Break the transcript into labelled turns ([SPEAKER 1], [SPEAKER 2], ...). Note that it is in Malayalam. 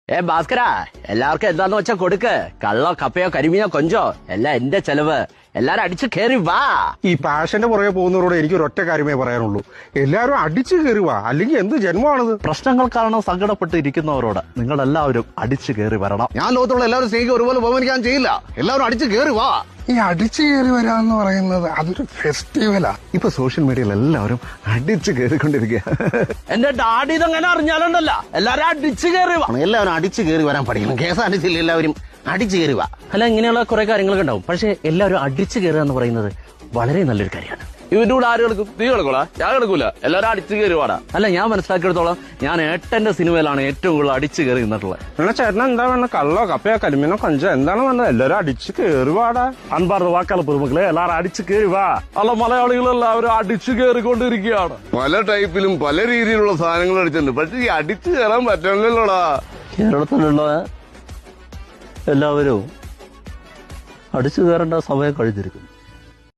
[SPEAKER 1] ഭാസ്കരാ, എല്ലാവർക്കും എന്താന്ന് വെച്ചാ കൊടുക്ക്. കള്ളോ കപ്പയോ കരിമീനോ കൊഞ്ചോ എല്ലാം എന്റെ ചെലവ്. എല്ലാരും അടിച്ചു കയറി വാ.
[SPEAKER 2] ഈ പാഷന്റെ പുറകെ പോകുന്നവരോട് എനിക്ക് ഒരൊറ്റ കാര്യമേ പറയാനുള്ളൂ, എല്ലാവരും അടിച്ചു കയറി വാ, അല്ലെങ്കിൽ എന്ത് ജന്മമാണിത്.
[SPEAKER 3] പ്രശ്നങ്ങൾ കാരണം സങ്കടപ്പെട്ട് ഇരിക്കുന്നവരോട് നിങ്ങൾ എല്ലാവരും അടിച്ചു കയറി വരണം.
[SPEAKER 4] ഞാൻ ലോകത്തുള്ള എല്ലാവരും സ്നേഹിക്കും ഒരുപോലെ ബഹുമാനിക്കാൻ ചെയ്യില്ല. എല്ലാവരും അടിച്ചു കയറി വാ.
[SPEAKER 5] ഈ അടിച്ചു കയറി വരാന്ന് പറയുന്നത് അതൊരു ഫെസ്റ്റിവലാ.
[SPEAKER 3] ഇപ്പൊ സോഷ്യൽ മീഡിയയിൽ എല്ലാവരും അടിച്ചു കയറിക്കൊണ്ടിരിക്കുക.
[SPEAKER 1] എന്റെ ഡാഡി ഇതെങ്ങനെ അറിഞ്ഞാലുണ്ടല്ല, എല്ലാരും അടിച്ചു കയറി വാ.
[SPEAKER 4] എല്ലാവരും അടിച്ചു കയറി വരാൻ പഠിക്കണം. KSRTC എല്ലാവരും അടിച്ചു കയറി വാ.
[SPEAKER 1] അല്ല, ഇങ്ങനെയുള്ള കുറെ കാര്യങ്ങളൊക്കെ ഉണ്ടാവും. പക്ഷെ എല്ലാവരും അടിച്ചു കയറുക എന്ന് പറയുന്നത് വളരെ നല്ലൊരു കാര്യമാണ്. ഇവന്റെ കൂടെ ആര് കിടക്കും? നീ കിടക്കൂടാ? ഞാൻ കിടക്കൂല. എല്ലാവരും അടിച്ചു കയറി വാടാ. അല്ല, ഞാൻ മനസ്സിലാക്കിയെടുത്തോളം ഞാൻ ഏട്ടന്റെ സിനിമയിലാണ് ഏറ്റവും കൂടുതൽ അടിച്ചു കയറി നിന്നിട്ടുള്ളത്.
[SPEAKER 2] എന്നാ ചേട്ടൻ എന്താ വേണ്ട? കള്ളോ കപ്പയോ കരിമീനോ കൊഞ്ചോ എന്താണ് വേണ്ടത്? എല്ലാവരും അടിച്ചു കയറി വാടാ.
[SPEAKER 3] അൻപാർന്ന വാക്കാല പുതുമക്കളെ എല്ലാവരും അടിച്ചു കയറി വാ.
[SPEAKER 1] അല്ല, മലയാളികൾ എല്ലാവരും അടിച്ചു കയറിക്കൊണ്ടിരിക്കുകയാണ്.
[SPEAKER 6] പല ടൈപ്പിലും പല രീതിയിലുള്ള സാധനങ്ങൾ അടിച്ചിട്ടുണ്ട്. പക്ഷെ ഈ അടിച്ചു കയറാൻ പറ്റണില്ലല്ലോടാ.
[SPEAKER 3] കേരളത്തിലുള്ള എല്ലാവരും അടിച്ചു കയറേണ്ട സമയം കഴിഞ്ഞിരിക്കുന്നു.